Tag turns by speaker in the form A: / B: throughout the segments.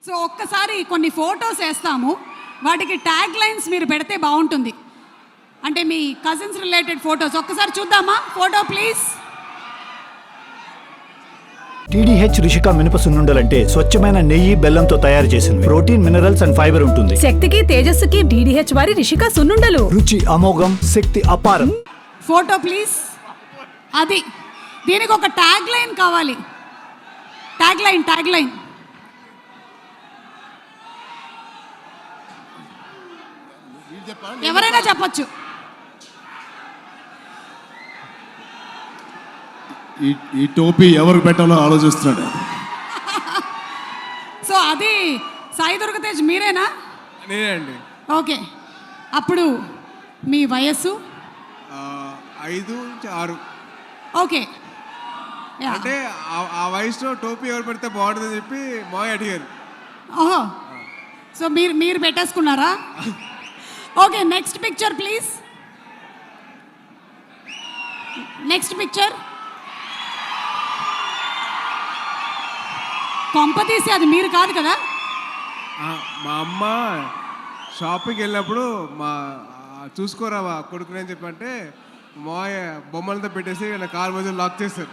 A: So ఒక్కసారి కొన్ని photos వేస్తాము, వాటికి ట్యాగ్ లైన్స్ మీరు పెడితే బాగుంటుంది. అంటే మీ కజిన్స్ రిలేటెడ్ ఫొటోస్ ఒక్కసారి చూద్దామా? Photo please.
B: టీడీహెచ్ రిషిక మినప సున్నుండలంటే స్వచ్ఛమైన నెయ్యి బెల్లంతో తయారు చేసినవి. ప్రోటీన్, మినరల్స్ అండ్ ఫైబర్ ఉంటుంది.
C: శక్తికి తేజస్సుకి డీడీహెచ్ వారి రిషిక సున్నుండలు.
B: రుచి అమోఘం, శక్తి అపారం.
A: Photo please. అది దీనికి ఒక ట్యాగ్ లైన్ కావాలి. ట్యాగ్ లైన్ ఎవరైనా చెప్పొచ్చు.
D: ఈ టోపీ ఎవరికి పెట్టాలో ఆలోచిస్తున్నాడు.
A: సో అది సాయి దుర్గతేజ్ మీరేనా?
E: నేనే అండి.
A: ఓకే, అప్పుడు మీ వయస్సు
E: 5 నుంచి 6.
A: ఓకే,
E: అంటే ఆ వయసులో టోపీ ఎవరు పెడితే బాగుంటుందని చెప్పి మాయ అడిగారు.
A: ఓహో, సో మీరు పెట్టేసుకున్నారా? Okay, next picture please. Next picture. కొంపతీసి అది మీరు కాదు కదా?
E: మా అమ్మ షాపింగ్కి వెళ్ళినప్పుడు చూసుకోరా కొడుకుని అని చెప్పంటే మాయ బొమ్మలతో పెట్టేసి నా కాలు మధ్య లాక్ చేశారు.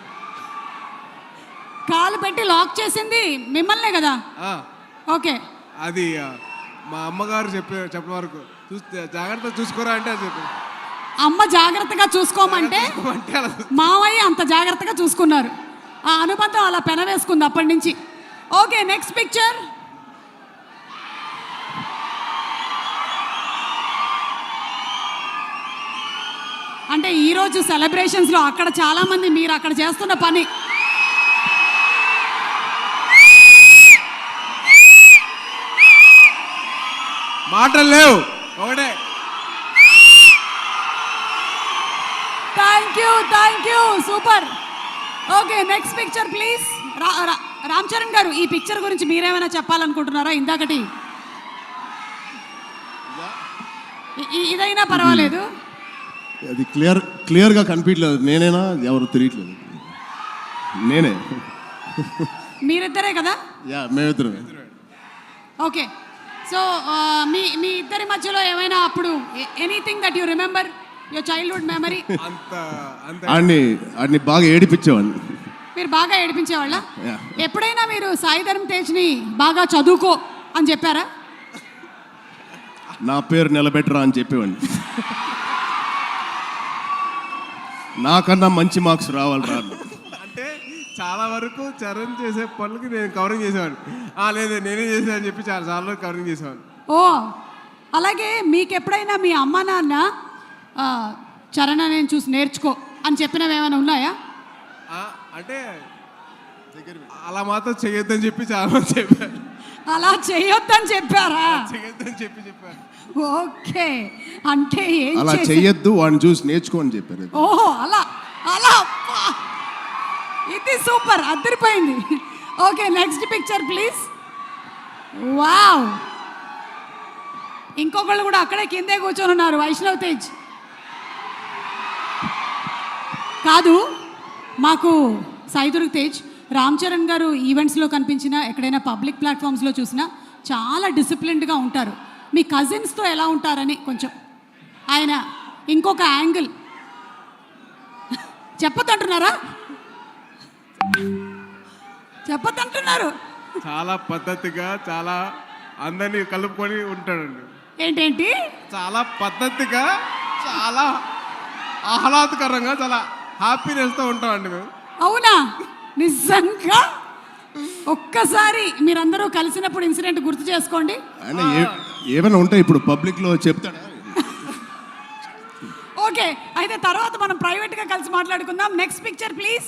A: కాలు పెట్టి లాక్ చేసింది మిమ్మల్నే కదా? ఓకే,
E: అది మా అమ్మగారు చెప్పిన వరకు జాగ్రత్తగా చూసుకోరా అంటే అది చెప్పి
A: అమ్మ జాగ్రత్తగా చూసుకోమంటే మావయ్య అంత జాగ్రత్తగా చూసుకున్నారు. ఆ అనుబంధం అలా పెనవేసుకుంది అప్పటి నుంచి. Okay, next picture. అంటే ఈరోజు సెలబ్రేషన్స్లో అక్కడ చాలామంది మీరు అక్కడ చేస్తున్న పని.
E: మాటలు లేవు, ఒకటే.
A: Thank you, super. Okay, next picture please. Ram Charan garu, ఈ పిక్చర్ గురించి మీరేమైనా చెప్పాలనుకుంటున్నారా? ఇందాకటి ఇదైనా పర్వాలేదు.
D: అది క్లియర్గా కనిపించలేదు. నేనేనా ఎవరు తెలియట్లేదు. నేనే.
A: మీరిద్దరే కదా?
D: మేమిద్దరం.
A: ఓకే, సో మీ ఇద్దరి మధ్యలో ఏమైనా అప్పుడు anything that you remember your childhood memory?
D: ఆడిని బాగా ఏడిపించేవాడిని.
A: మీరు బాగా ఏడిపించేవాళ్ళ? ఎప్పుడైనా మీరు సాయి ధరమ్ తేజ్ని బాగా చదువుకో అని చెప్పారా?
D: నా పేరు నిలబెట్టరా అని చెప్పేవాడిని. నాకన్నా మంచి మార్క్స్ రావాలి రా.
E: అంటే చాలా వరకు చరణ్ చేసే పనులకి నేను కవరింగ్ చేసేవాడిని. లేదు నేనే చేసా అని చెప్పి చాలా వరకు కవరింగ్ చేసేవాడిని.
A: ఓ, అలాగే మీకు ఎప్పుడైనా మీ అమ్మ నాన్న చరణ్ నేను చూసి నేర్చుకో అని చెప్పినవి ఏమైనా ఉన్నాయా?
E: అంటే అలా మాత్రం చేయొద్దని చెప్పి చాలా మంది చెప్పారు.
A: అలా చేయొద్దని చెప్పారా?
E: చేయొద్దని చెప్పారు.
A: ఓకే, అంటే
D: అలా చెయ్యొద్దు, వాడిని చూసి నేర్చుకో అని చెప్పారు.
A: ఓహో, అలా ఇది సూపర్, అద్దరిపోయింది. Okay, next picture please. Wow, ఇంకొకళ్ళు కూడా అక్కడే కిందే కూర్చొని ఉన్నారు. వైష్ణవ్ తేజ్ కాదు, మాకు సాయి దుర్గ్ తేజ్, రామ్ చరణ్ గారు ఈవెంట్స్లో కనిపించినా, ఎక్కడైనా పబ్లిక్ ప్లాట్ఫామ్స్లో చూసినా చాలా డిసిప్లిన్డ్గా ఉంటారు. మీ కజిన్స్తో ఎలా ఉంటారని కొంచెం ఆయన ఇంకొక యాంగిల్ చెప్పొద్దంటున్నారా? చెప్పొద్దంటున్నారు.
E: చాలా పద్ధతిగా, చాలా అందరినీ కలుపుకొని ఉంటాడండి.
A: ఏంటేంటి?
E: చాలా పద్ధతిగా, చాలా ఆహ్లాదకరంగా, చాలా హ్యాపీనెస్తో ఉంటామండి మేము.
A: అవునా? నిజంగా ఒక్కసారి మీరందరూ కలిసినప్పుడు ఇన్సిడెంట్ గుర్తు చేసుకోండి.
D: ఏమైనా ఉంటే ఇప్పుడు పబ్లిక్లో చెప్తాడా?
A: ఓకే, అయితే తర్వాత మనం ప్రైవేట్గా కలిసి మాట్లాడుకుందాం. Next picture please.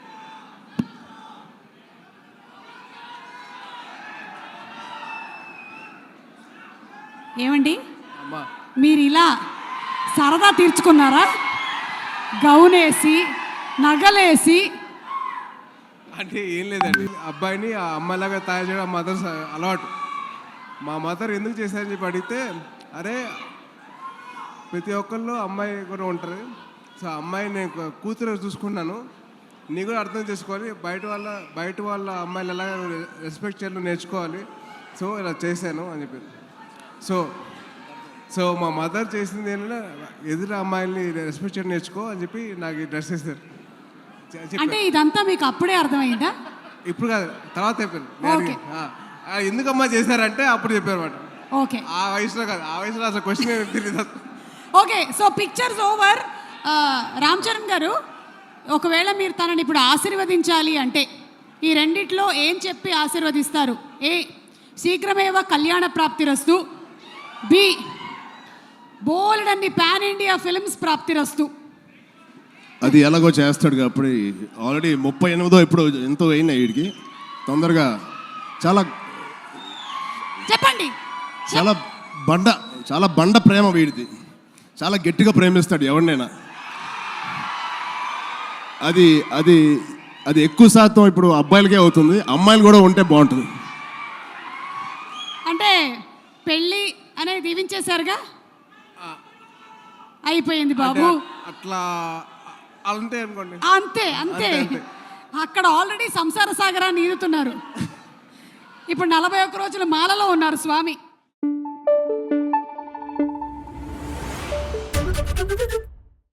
A: ఏమండి, మీరు ఇలా సరదా తీర్చుకున్నారా? గౌనేసి, నగలేసి.
E: అంటే ఏం లేదండి, అబ్బాయిని ఆ అమ్మాయిలాగా తయారు చేయడం మదర్ అలవాటు. మా మదర్ ఎందుకు చేశారని చెప్పి అడిగితే, అరే ప్రతి ఒక్కళ్ళు అమ్మాయి కూడా ఉంటారు, సో అమ్మాయి నేను కూతురు చూసుకున్నాను, నీ కూడా అర్థం చేసుకోవాలి, బయట వాళ్ళ అమ్మాయిలు ఎలా రెస్పెక్ట్ చేయాలో నేర్చుకోవాలి, సో ఇలా చేశాను అని చెప్పారు. సో సో మా మదర్ చేసింది ఏంటంటే ఎదురు అమ్మాయిల్ని రెస్పెక్ట్ చేయడం నేర్చుకో అని చెప్పి నాకు ఈ డ్రెస్ వేస్తారు.
A: అంటే ఇదంతా మీకు అప్పుడే అర్థమైందా?
E: ఇప్పుడు కాదు, తర్వాత చెప్పారు.
A: ఓకే.
E: ఎందుకమ్మా చేశారంటే అప్పుడు చెప్పారు అన్నమాట.
A: ఓకే
E: ఆ వయసులో కాదు, ఆ వయసులో అసలు క్వశ్చన్ తెలియదు.
A: Okay, so pictures over. Ram Charan garu, ఒకవేళ మీరు తనని ఇప్పుడు ఆశీర్వదించాలి అంటే ఈ రెండిట్లో ఏం చెప్పి ఆశీర్వదిస్తారు? ఏ, శీఘ్రమేవ కళ్యాణ ప్రాప్తిరస్తు. బి, బోల్డ్ అన్ని పాన్ ఇండియా ఫిల్మ్స్ ప్రాప్తిరస్తు.
D: అది ఎలాగో చేస్తాడు అప్పుడు. ఆల్రెడీ 38 ఇప్పుడు ఎంతో అయినాయి వీడికి. తొందరగా చాలా
A: చెప్పండి.
D: చాలా బండ ప్రేమ వీడిది. చాలా గట్టిగా ప్రేమిస్తాడు ఎవరినైనా. అది అది అది ఎక్కువ శాతం ఇప్పుడు అబ్బాయిలకే అవుతుంది. అమ్మాయిలు కూడా ఉంటే బాగుంటుంది.
A: అంటే పెళ్ళి అనేది దీవించేశారుగా, అయిపోయింది బాబు.
E: అట్లా అంతే అనుకోండి.
A: అంతే అంతే. అక్కడ ఆల్రెడీ సంసార సాగరాన్ని ఈదుతున్నారు. ఇప్పుడు 41 రోజులు మాలలో ఉన్నారు స్వామి.